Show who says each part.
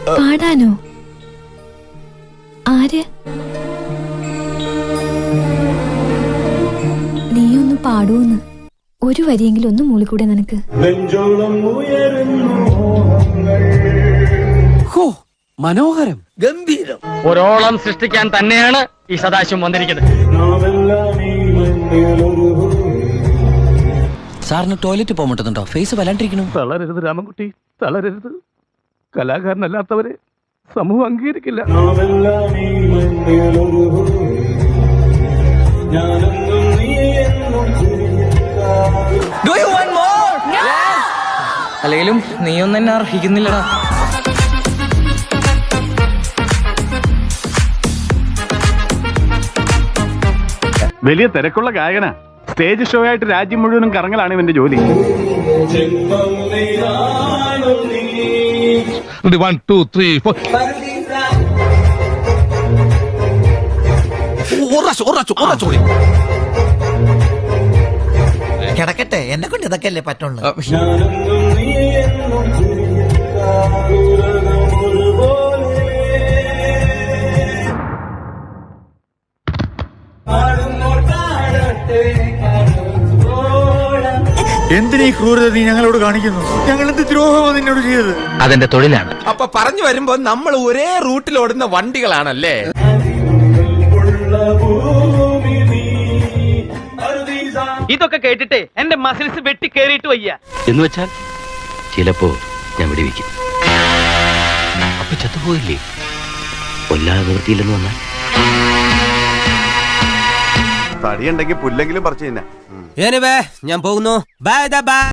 Speaker 1: പാടാനോ? ആര്? നീയൊന്ന് പാടൂന്ന്. ഒരു വരിയെങ്കിലും ഒന്ന് മൂളിക്കൂടെ നിനക്ക്?
Speaker 2: മനോഹരം, ഗംഭീരം.
Speaker 3: ഒരോളം സൃഷ്ടിക്കാൻ തന്നെയാണ് ഈ സദാശിവം വന്നിരിക്കുന്നത്.
Speaker 2: സാറിന് ടോയ്ലറ്റ് പോകാൻ പറ്റുന്നുണ്ടോ? ഫേസ് വല്ലാണ്ടിരിക്കണം.
Speaker 4: തളരരുത് രാമൻകുട്ടി, തളരരുത്. കലാകാരനല്ലാത്തവരെ സമൂഹം അംഗീകരിക്കില്ല.
Speaker 5: അല്ലെങ്കിലും നീയൊന്നും എന്നെ അർഹിക്കുന്നില്ലടാ.
Speaker 4: വലിയ തിരക്കുള്ള ഗായകനാ. സ്റ്റേജ് ഷോ ആയിട്ട് രാജ്യം മുഴുവനും കറങ്ങലാണ് ഇവന്റെ ജോലി.
Speaker 6: 1 2 3 4
Speaker 7: കിടക്കട്ടെ, എന്നെ കൊണ്ട് ഇതൊക്കെ അല്ലേ പറ്റുള്ളൂ.
Speaker 8: എന്തിനീ ക്രൂരത നീ ഞങ്ങളോട് കാണിക്കുന്നു? ഞങ്ങൾ എന്ത് ദ്രോഹമാണ് നിന്നോട് ചെയ്തത്?
Speaker 3: അതെന്റെ തൊഴിലാണ്.
Speaker 9: അപ്പൊ പറഞ്ഞു വരുമ്പോ നമ്മൾ ഒരേ റൂട്ടിൽ ഓടുന്ന വണ്ടികളാണല്ലേ?
Speaker 3: ഇതൊക്കെ കേട്ടിട്ട് എന്റെ മസിൽസ് വെട്ടി കേറിയിട്ട് വയ്യ.
Speaker 2: എന്ന് വെച്ചാൽ ചിലപ്പോ ഞാൻ വെടിവെക്കും. അപ്പൊ ചത്തുപോയില്ലേ? കൊല്ലാതെ നിർത്തിയില്ലെന്ന് വന്നാൽ
Speaker 8: തടിയുണ്ടെങ്കിൽ പുല്ലെങ്കിലും പറിച്ചു തന്നെ.
Speaker 5: ഞാൻ പോകുന്നു. ബൈ.